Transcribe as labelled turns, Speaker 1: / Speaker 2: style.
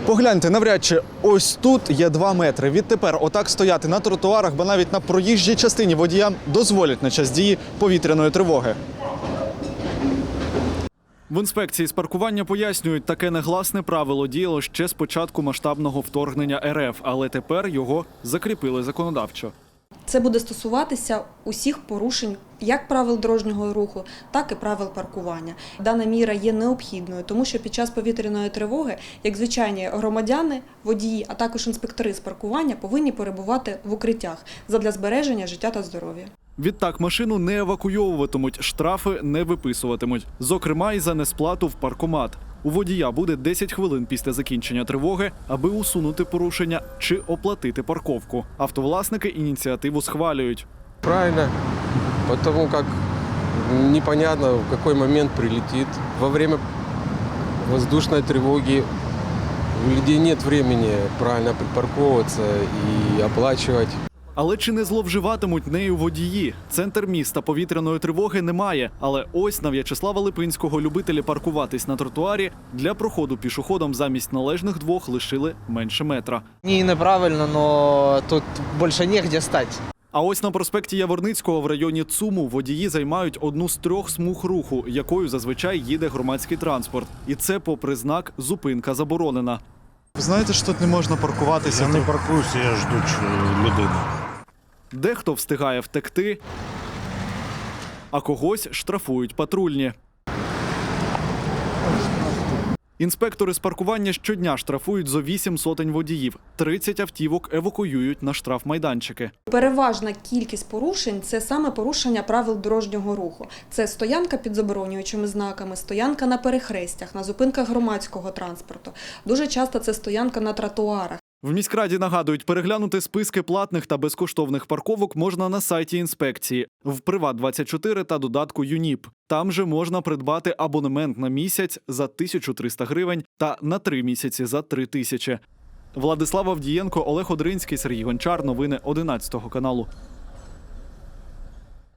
Speaker 1: Погляньте, навряд чи ось тут є 2 метри. Відтепер отак стояти на тротуарах, бо навіть на проїжджій частині водіям дозволять на час дії повітряної тривоги. В інспекції з паркування пояснюють, таке негласне правило діяло ще з початку масштабного вторгнення РФ, але тепер його закріпили законодавчо.
Speaker 2: Це буде стосуватися усіх порушень як правил дорожнього руху, так і правил паркування. Дана міра є необхідною, тому що під час повітряної тривоги, як звичайні громадяни, водії, а також інспектори з паркування повинні перебувати в укриттях задля збереження життя та здоров'я.
Speaker 1: Відтак машину не евакуйовуватимуть, штрафи не виписуватимуть. Зокрема, і за несплату в паркомат. У водія буде 10 хвилин після закінчення тривоги, аби усунути порушення чи оплатити парковку. Автовласники ініціативу схвалюють.
Speaker 3: Правильно, потому как непонятно, в какой момент прилетит. Во время воздушной тревоги у людей нет времени правильно припарковываться и оплачивать.
Speaker 1: Але чи не зловживатимуть нею водії? Центр міста повітряної тривоги немає. Але ось на В'ячеслава Липинського любителі паркуватись на тротуарі для проходу пішоходом замість належних 2 лишили менше метра.
Speaker 4: Неправильно, но тут більше негде стати.
Speaker 1: А ось на проспекті Яворницького в районі ЦУМу водії займають одну з 3 смуг руху, якою зазвичай їде громадський транспорт. І це попри знак «Зупинка заборонена». Ви знаєте, що тут не можна паркуватися?
Speaker 5: Я не паркуюся, я жду людину.
Speaker 1: Дехто встигає втекти, а когось штрафують патрульні. Інспектори з паркування щодня штрафують зо 8 сотень водіїв. 30 автівок евакуюють на штрафмайданчики.
Speaker 2: Переважна кількість порушень – це саме порушення правил дорожнього руху. Це стоянка під заборонюючими знаками, стоянка на перехрестях, на зупинках громадського транспорту. Дуже часто це стоянка на тротуарах.
Speaker 1: В міськраді нагадують, переглянути списки платних та безкоштовних парковок можна на сайті інспекції, в Приват24 та додатку ЮНІП. Там же можна придбати абонемент на місяць за 1300 гривень та на 3 місяці за 3000. Владислав Авдієнко, Олег Одринський, Сергій Гончар. Новини 11 каналу.